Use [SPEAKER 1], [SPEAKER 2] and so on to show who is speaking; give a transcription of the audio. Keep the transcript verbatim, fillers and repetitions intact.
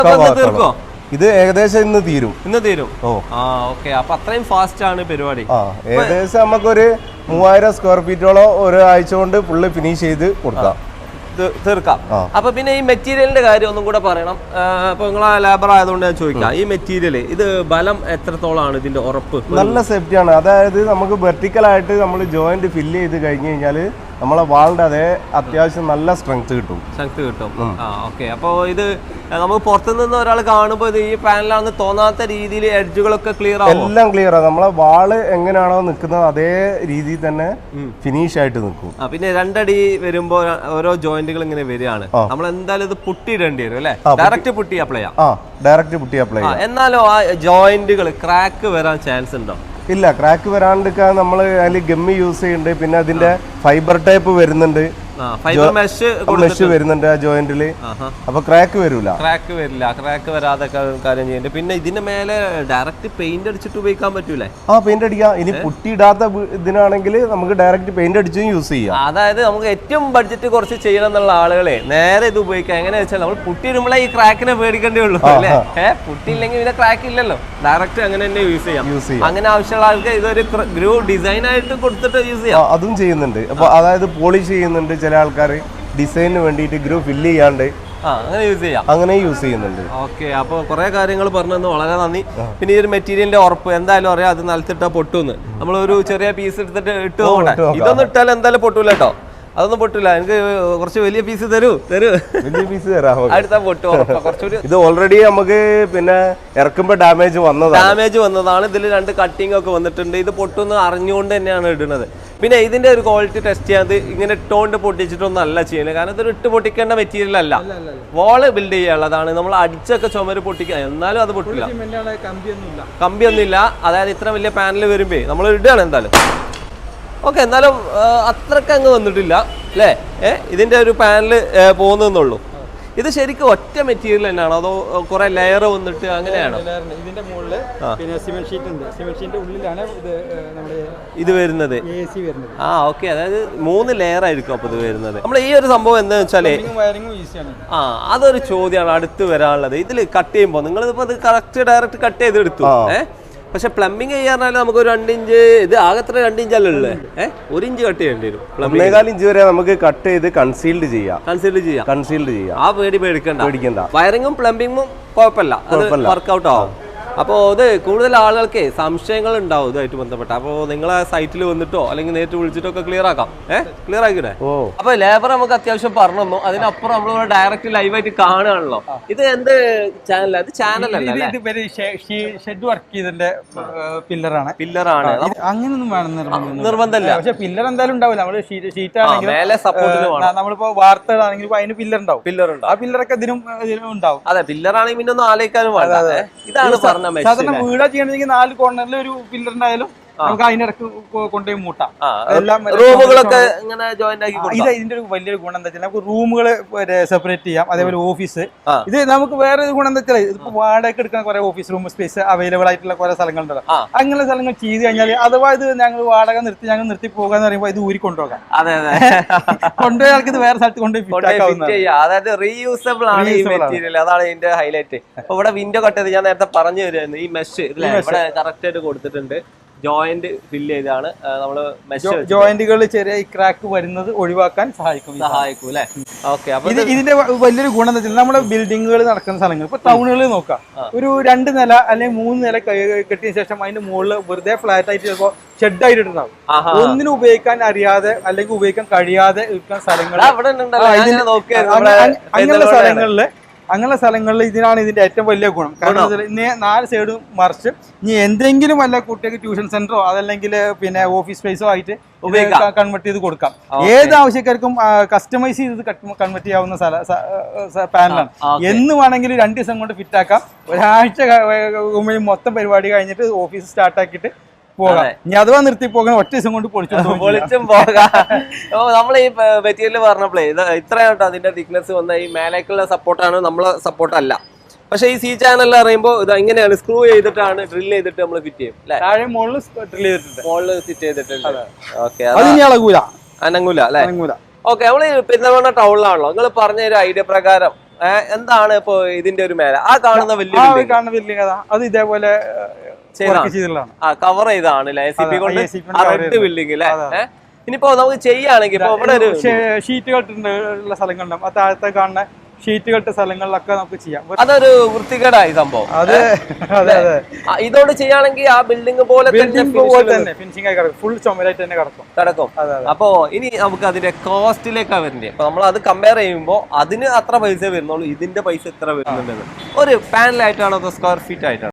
[SPEAKER 1] തീർക്കോ?
[SPEAKER 2] ഇത് ഏകദേശം ഇന്ന് തീരും.
[SPEAKER 1] ഇന്ന് തീരും. ഓ ആ ഓക്കെ. അപ്പൊ അത്രയും ഫാസ്റ്റ് ആണ് പരിപാടി.
[SPEAKER 2] ആ ഏകദേശം നമുക്കൊരു മൂവായിരം സ്ക്വയർ ഫീറ്റോളം ഒരാഴ്ച കൊണ്ട് ഫുള്ള് ഫിനിഷ് ചെയ്ത് കൊടുക്കാം,
[SPEAKER 1] തീർക്കാം. അപ്പൊ പിന്നെ ഈ മെറ്റീരിയലിന്റെ കാര്യം ഒന്നും കൂടെ പറയണം. അപ്പൊ നിങ്ങൾ ലേബർ ആയതുകൊണ്ട് ഞാൻ ചോദിക്കാം, ഈ മെറ്റീരിയൽ ഇത് ബലം എത്രത്തോളാണ് ഇതിന്റെ ഉറപ്പ്?
[SPEAKER 2] നല്ല സേഫ്റ്റി ആണ്. അതായത് നമുക്ക് വെർട്ടിക്കൽ ആയിട്ട് നമ്മൾ ജോയിന്റ് ഫില്ല് ചെയ്ത് കഴിഞ്ഞ് കഴിഞ്ഞാല് നമ്മളെ വാളിന്റെ അതേ അത്യാവശ്യം നല്ല സ്ട്രെങ്ത് കിട്ടും.
[SPEAKER 1] സ്ട്രെങ്ത് കിട്ടും. ആ ഓക്കെ. അപ്പോൾ ഇത് നമുക്ക് പുറത്തുനിന്ന് ഒരാൾ കാണുമ്പോൾ ഇത് ഈ പാനലാണെന്ന് തോന്നാത്ത രീതിയിൽ എഡ്ജുകളൊക്കെ ക്ലിയർ ആവും.
[SPEAKER 2] എല്ലാം ക്ലിയർ ആണ്. നമ്മളെ വാള് എങ്ങനെയാണോ നിൽക്കുന്നത് അതേ രീതിയിൽ തന്നെ ഫിനിഷ് ആയിട്ട് നിൽക്കും.
[SPEAKER 1] പിന്നെ രണ്ടടി വരുമ്പോ ഓരോ ജോയിന്റുകൾ ഇങ്ങനെ വരികയാണ്. നമ്മൾ എന്തായാലും ഇത് പുട്ടിയിടേണ്ടി വരും അല്ലെ? ഡയറക്റ്റ് പുട്ടി അപ്ലൈ ചെയ്യാം.
[SPEAKER 2] ഡയറക്റ്റ് പുട്ടി അപ്ലൈ ചെയ്യാം.
[SPEAKER 1] എന്നാലും ആ ജോയിന്റുകൾ ക്രാക്ക് വരാൻ ചാൻസ് ഉണ്ടോ?
[SPEAKER 2] ഇല്ല, ക്രാക്ക് വരാണ്ടിരിക്കാൻ നമ്മൾ അതിൽ ഗമ്മി യൂസ് ചെയ്യുന്നുണ്ട്. പിന്നെ അതിന്റെ ഫൈബർ ടൈപ്പ് വരുന്നുണ്ട്, മെഷ് വരുന്നുണ്ട് ആ ജോയിന്റില്. അപ്പൊ ക്രാക്ക് വരില്ല.
[SPEAKER 1] ക്രാക്ക് വരില്ല. ക്രാക്ക് വരാതെ കാര്യം ചെയ്യുന്നുണ്ട്. പിന്നെ ഇതിന്റെ മേലെ ഡയറക്റ്റ് പെയിന്റ് അടിച്ചിട്ട് ഉപയോഗിക്കാൻ പറ്റൂലേ?
[SPEAKER 2] ആ പെയിന്റ് അടിക്കാം. ഇനി പുട്ടിയിടാത്ത ഇതിനാണെങ്കിൽ നമുക്ക് ഡയറക്റ്റ് പെയിന്റ് അടിച്ചും യൂസ് ചെയ്യാം.
[SPEAKER 1] അതായത് നമുക്ക് ഏറ്റവും ബഡ്ജറ്റ് കുറച്ച് ചെയ്യണം എന്നുള്ള ആളുകളെ നേരെ ഇത് ഉപയോഗിക്കാം. എങ്ങനെയാ വെച്ചാൽ നമ്മൾ പുട്ടിയിടുമ്പോഴേ ഈ ക്രാക്കിനെ പേടിക്കേണ്ടേ ഉള്ളൂ അല്ലേ? ഏഹ് പുട്ടിയില്ലെങ്കിൽ പിന്നെ ക്രാക്ക് ഇല്ലല്ലോ, ഡയറക്റ്റ് അങ്ങനെ തന്നെ യൂസ് ചെയ്യാം. യൂസ് ചെയ്യാം. അങ്ങനെ ആവശ്യമുള്ള ആൾക്ക് ഇതൊരു ഗ്രൂ ഡിസൈൻ ആയിട്ട് കൊടുത്തിട്ട് യൂസ് ചെയ്യാം.
[SPEAKER 2] അതും ചെയ്യുന്നുണ്ട്. അപ്പൊ അതായത് പോളിഷ് ചെയ്യുന്നുണ്ട് ചില ആൾക്കാർ, ഡിസൈനിന് വേണ്ടിയിട്ട് ഗ്രൂ ഫില്ല് ചെയ്യാണ്ട്
[SPEAKER 1] അങ്ങനെ യൂസ് ചെയ്യാം.
[SPEAKER 2] അങ്ങനെ യൂസ് ചെയ്യുന്നുണ്ട്.
[SPEAKER 1] ഓക്കെ. അപ്പോൾ കുറെ കാര്യങ്ങൾ പറഞ്ഞു തന്നു, വളരെ നന്ദി. പിന്നെ ഈ ഒരു മെറ്റീരിയലിന്റെ ഉറപ്പ് എന്തായാലും അറിയാം, അത് നിലത്തിട്ടാ പൊട്ടുന്ന്. നമ്മളൊരു ചെറിയ പീസ് എടുത്തിട്ട് ഇട്ട് നോക്കട്ടെ. ഇതൊന്നും ഇട്ടാൽ എന്തായാലും പൊട്ടൂല കേട്ടോ, അതൊന്നും പൊട്ടില്ല. എനിക്ക് കുറച്ച് വലിയ പീസ് തരൂ തരൂ
[SPEAKER 2] വലിയ പീസ് തരാം.
[SPEAKER 1] അടുത്ത പൊട്ടു കുറച്ചുകൂടി.
[SPEAKER 2] ഇത് ഓൾറെഡി നമുക്ക് പിന്നെ ഇറക്കുമ്പോ ഡാമേജ് വന്നതാണ്
[SPEAKER 1] ഡാമേജ് വന്നതാണ് ഇതിൽ രണ്ട് കട്ടിങ് ഒക്കെ വന്നിട്ടുണ്ട്. ഇത് പൊട്ടുന്ന അറിഞ്ഞുകൊണ്ട് തന്നെയാണ് ഇടുന്നത്. പിന്നെ ഇതിന്റെ ഒരു ക്വാളിറ്റി ടെസ്റ്റ് ചെയ്യാതെ ഇങ്ങനെ ഇട്ടുകൊണ്ട് പൊട്ടിച്ചിട്ടൊന്നും അല്ല ചെയ്യുന്നത്. കാരണം ഇതൊരു ഇട്ട് പൊട്ടിക്കേണ്ട മെറ്റീരിയൽ അല്ല, വാള് ബിൽഡ് ചെയ്യാനുള്ളതാണ്. നമ്മൾ അടിച്ചൊക്കെ ചുമര് പൊട്ടിക്കുക, എന്നാലും അത് പൊട്ടില്ല. കമ്പിയൊന്നും ഇല്ല. അതായത് ഇത്ര വലിയ പാനൽ വരുമ്പേ നമ്മൾ ഇടുകയാണ് എന്തായാലും. ഓക്കെ. എന്നാലും അത്രക്ക് അങ്ങ് വന്നിട്ടില്ല അല്ലേ? ഏഹ് ഇതിന്റെ ഒരു പാനൽ പോകുന്നുള്ളൂ. ഇത് ശരിക്കും ഒറ്റ മെറ്റീരിയൽ തന്നെയാണോ അതോ കുറെ ലെയർ വന്നിട്ട് അങ്ങനെയാണോ?
[SPEAKER 3] ഇതിന്റെ മുകളിൽ പിന്നെ സിമെന്റ് ഷീറ്റ് ഉണ്ട്. സിമെന്റ് ഷീറ്റിന്റെ ഉള്ളിലാണ് ഇത് നമ്മുടെ
[SPEAKER 1] ഇത് വരുന്നത്. ആ ഓക്കെ. അതായത് മൂന്ന് ലെയർ ആയിരിക്കും അപ്പൊ ഇത് വരുന്നത്. നമ്മൾ ഈ ഒരു സംഭവം എന്താണെന്ന് വെച്ചാല് ആ അതൊരു ചോദ്യമാണ് അടുത്ത് വരാനുള്ളത്. ഇതിൽ കട്ട് ചെയ്യുമ്പോൾ നിങ്ങൾ ഇപ്പൊ ഇത് കറക്റ്റ് ഡയറക്റ്റ് കട്ട് ചെയ്ത് എടുത്തു. ഏഹ് പക്ഷെ പ്ലംബിംഗ് ചെയ്യാൻ നമുക്ക് ഒരു രണ്ട് ഇഞ്ച്, ഇത് ആകത്ര രണ്ട് ഇഞ്ചല്ലേ ഉള്ളേ? ഏഹ് ഒരു ഇഞ്ച് കട്ട് ചെയ്യേണ്ടി വരും.
[SPEAKER 2] ഒന്നേകാൽ ഇഞ്ച് വരെ നമുക്ക് കട്ട് ചെയ്ത് കൺസീൽഡ് ചെയ്യാം.
[SPEAKER 1] കൺസീൽഡ് ചെയ്യാം.
[SPEAKER 2] കൺസീൽഡ് ചെയ്യാം.
[SPEAKER 1] ആ പേടി പേടിക്കണ്ട
[SPEAKER 2] പേടിക്കണ്ട.
[SPEAKER 1] വയറിങ്ങും പ്ലംബിങ്ങും കുഴപ്പമില്ല, വർക്ക്ഔട്ട് ആവും. അപ്പോൾ ഇത് കൂടുതൽ ആളുകൾക്ക് സംശയങ്ങൾ ഉണ്ടാവും ഇതുമായിട്ട് ബന്ധപ്പെട്ട്. അപ്പോൾ നിങ്ങളെ സൈറ്റിൽ വന്നിട്ടോ അല്ലെങ്കിൽ നേരിട്ട് വിളിച്ചിട്ടോ ഒക്കെ ക്ലിയർ ആക്കാം. ഏഹ് ക്ലിയർ ആക്കിയിട്ടെ. അപ്പൊ ലേബർ നമുക്ക് അത്യാവശ്യം പറഞ്ഞു തന്നു. അതിനപ്പുറം നമ്മൾ ഡയറക്റ്റ് ലൈവായിട്ട് കാണുകയാണല്ലോ. ഇത് എന്ത് ചാനൽ? അത് ചാനലല്ല,
[SPEAKER 3] ഷെഡ് വർക്ക് ചെയ്തതിന്റെ പില്ലറാണ്.
[SPEAKER 1] പില്ലറാണ്.
[SPEAKER 3] അങ്ങനൊന്നും വേണം
[SPEAKER 1] നിർബന്ധമില്ല.
[SPEAKER 3] പക്ഷെ പില്ലർ എന്തായാലും ഉണ്ടാവില്ല. നമ്മള് ഷീറ്റ് ആണെങ്കിൽ നമ്മളിപ്പോ വാർത്തകളാണെങ്കിൽ അതിന് പില്ലർ ഉണ്ടാവും.
[SPEAKER 1] പില്ലർ ഉണ്ട്.
[SPEAKER 3] ആ പില്ലറൊക്കെ ഇതിനും ഉണ്ടാവും.
[SPEAKER 1] അതെ, പില്ലറാണെങ്കിൽ പിന്നെ ഒന്നും ആലോചിക്കാനും വേണ്ട. ഇതാണ്
[SPEAKER 3] സാധാരണ വീടാ ചെയ്യണമെങ്കിൽ നാല് കോർണറിൽ ഒരു പില്ലർ ഉണ്ടായാലും നമുക്ക് അതിനിടക്ക് കൊണ്ടുപോയി മൂട്ടാം.
[SPEAKER 1] റൂമുകളൊക്കെ ഇത്
[SPEAKER 3] ഇതിന്റെ ഒരു വലിയൊരു ഗുണം എന്താ വെച്ചാൽ നമുക്ക് റൂമുകൾ സെപ്പറേറ്റ് ചെയ്യാം. അതേപോലെ ഓഫീസ്. ഇത് നമുക്ക് വേറെ ഗുണം എന്താ വെച്ചാൽ ഇതിപ്പോ വാടക എടുക്കാൻ കുറെ ഓഫീസ് റൂം സ്പേസ് അവൈലബിൾ ആയിട്ടുള്ള കുറെ സ്ഥലങ്ങളുണ്ടല്ലോ. അങ്ങനെ സ്ഥലങ്ങൾ ചെയ്ത് കഴിഞ്ഞാൽ അഥവാ ഇത് ഞങ്ങൾ വാടക നിർത്തി ഞങ്ങൾ നിർത്തി പോകാന്ന് പറയുമ്പോൾ ഇത് ഊരി കൊണ്ടുപോകാം.
[SPEAKER 1] അതെ അതെ
[SPEAKER 3] കൊണ്ടുപോയി ആൾക്ക് ഇത് വേറെ സ്ഥലത്ത് കൊണ്ടുപോയി.
[SPEAKER 1] അതായത് റീയൂസബിൾ ആണ് ഈ മെറ്റീരിയൽ. അതാണ് ഇതിന്റെ ഹൈലൈറ്റ്. അപ്പൊ ഇവിടെ വിൻഡോ കട്ട് ചെയ്ത് ഞാൻ നേരത്തെ പറഞ്ഞു തരുമായിരുന്നു. ഈ മെഷ് ഇവിടെ കറക്റ്റ് ആയിട്ട് കൊടുത്തിട്ടുണ്ട്. ജോയിന്റ് ഫില്ല് ചെയ്താണ് നമ്മള്
[SPEAKER 3] ജോയിന്റുകൾ ചെറിയ ക്രാക്ക് വരുന്നത് ഒഴിവാക്കാൻ സഹായിക്കും
[SPEAKER 1] സഹായിക്കും അല്ലെ? ഓക്കെ. അപ്പൊ
[SPEAKER 3] ഇതിന്റെ വലിയൊരു ഗുണം എന്താ വെച്ചാൽ നമ്മുടെ ബിൽഡിങ്ങുകൾ നടക്കുന്ന സ്ഥലങ്ങൾ ഇപ്പൊ ടൗണുകളിൽ നോക്കാം, ഒരു രണ്ട് നില അല്ലെങ്കിൽ മൂന്ന് നില കെട്ടിയ ശേഷം അതിന്റെ മുകളിൽ വെറുതെ ഫ്ലാറ്റ് ആയിട്ട് ചിലപ്പോ ഷെഡ് ആയിട്ടുണ്ടാവും. ഒന്നിനും ഉപയോഗിക്കാൻ അറിയാതെ അല്ലെങ്കിൽ ഉപയോഗിക്കാൻ കഴിയാതെ ഇരിക്കുന്ന സ്ഥലങ്ങൾ അങ്ങനെയുള്ള സ്ഥലങ്ങളില് അങ്ങനെയുള്ള സ്ഥലങ്ങളിൽ ഇതിനാണ് ഇതിന്റെ ഏറ്റവും വലിയ ഗുണം. കാരണം ഇനി നാല് സൈഡും മറിച്ച് ഇനി എന്തെങ്കിലും വല്ല കുട്ടികൾക്ക് ട്യൂഷൻ സെന്ററോ അതല്ലെങ്കിൽ പിന്നെ ഓഫീസ് സ്പേസോ ആയിട്ട് കൺവെർട്ട് ചെയ്ത് കൊടുക്കാം. ഏത് ആവശ്യക്കാർക്കും കസ്റ്റമൈസ് ചെയ്ത് കൺവെർട്ട് ചെയ്യാവുന്ന പാനലാണ്. എന്ന് വേണമെങ്കിലും രണ്ട് ദിവസം കൊണ്ട് ഫിറ്റ് ആക്കാം. ഒരാഴ്ച മൊത്തം പരിപാടി കഴിഞ്ഞിട്ട് ഓഫീസ് സ്റ്റാർട്ട് ആക്കിയിട്ട് പോകാം. ഇനി അഥവാ നിർത്തി പോകാൻ ഒറ്റ ദിവസം കൊണ്ട് പൊളിച്ചും
[SPEAKER 1] പൊളിച്ചും പോകാം. നമ്മൾ ഈ മെറ്റീരിയൽ പറഞ്ഞപ്പോഴേ ഇത് ഇത്രയാട്ടോ അതിന്റെ തിക്നെസ് വന്ന ഈ മേലേക്കുള്ള സപ്പോർട്ടാണ്, നമ്മളെ സപ്പോർട്ട് അല്ല. പക്ഷെ ഈ സി ചാനൽ അറിയുമ്പോൾ ഇത് ഇങ്ങനെയാണ് സ്ക്രൂ ചെയ്തിട്ടാണ് ഡ്രിൽ ചെയ്തിട്ട് നമ്മൾ ഫിറ്റ് ചെയ്യും.
[SPEAKER 3] താഴെ മുകളിൽ ഡ്രിൽ ചെയ്തിട്ടുണ്ട്,
[SPEAKER 1] മുകളിൽ ഫിറ്റ് ചെയ്തിട്ടുണ്ട്. ഓക്കെ.
[SPEAKER 3] അനങ്ങൂല
[SPEAKER 1] അനങ്ങൂല അല്ലെ? ഓക്കെ. നമ്മള് പെരുന്തൽമണ്ണ ടൗണിലാണല്ലോ. നിങ്ങൾ പറഞ്ഞ ഒരു ഐഡിയ പ്രകാരം എന്താണ് ഇപ്പൊ ഇതിന്റെ ഒരു മേലെ ആ കാണുന്ന വലിയ
[SPEAKER 3] ആ
[SPEAKER 1] building?
[SPEAKER 3] കാണുന്ന ബിൽഡിംഗ് അതാ അത് ഇതേപോലെ വർക്ക് ചെയ്തിട്ടുള്ളതാണ്.
[SPEAKER 1] ആ കവർ ചെയ്താണ് എ സി പി കൊണ്ട്
[SPEAKER 3] A C P കൊണ്ട് cover
[SPEAKER 1] റെഡ് ബിൽഡിംഗ് അല്ലേ? ഏഹ് ഇനിയിപ്പോ നമുക്ക് ചെയ്യുകയാണെങ്കിൽ ഇപ്പൊ ഇവിടെ ഒരു
[SPEAKER 3] ഷീറ്റുകൾ ഉള്ള സ്ഥലങ്ങളുണ്ടാവും ആ താഴത്തെ കാണുന്ന ഷീറ്റുകൾ ഇട്ട സ്ഥലങ്ങളിലൊക്കെ നമുക്ക് ചെയ്യാം.
[SPEAKER 1] അതൊരു വൃത്തികേടായി സംഭവം.
[SPEAKER 3] അത് അതെ അതെ
[SPEAKER 1] ആ, ഇതോട് ചെയ്യുകയാണെങ്കിൽ ആ ബിൽഡിംഗ് പോലെ
[SPEAKER 3] ബിൽഡിംഗ് പോലെ തന്നെ ഫിനിഷിംഗ് ആയി കിടക്കും. ഫുൾ ചുമരായിട്ട് തന്നെ കിടക്കും.
[SPEAKER 1] കിടക്കും.
[SPEAKER 3] അതെ അതെ.
[SPEAKER 1] അപ്പോ ഇനി നമുക്ക് അതിന്റെ കോസ്റ്റിലേക്കാണ് വരുന്നത്. അപ്പൊ നമ്മൾ അത് കമ്പയർ ചെയ്യുമ്പോൾ അതിന് അത്ര പൈസ വരുന്നുള്ളൂ, ഇതിന്റെ പൈസ എത്ര വരുന്നുണ്ടെന്ന്. ഒരു പാനലായിട്ടാണോ അതോ സ്ക്വയർ ഫീറ്റ് ആയിട്ടാണോ?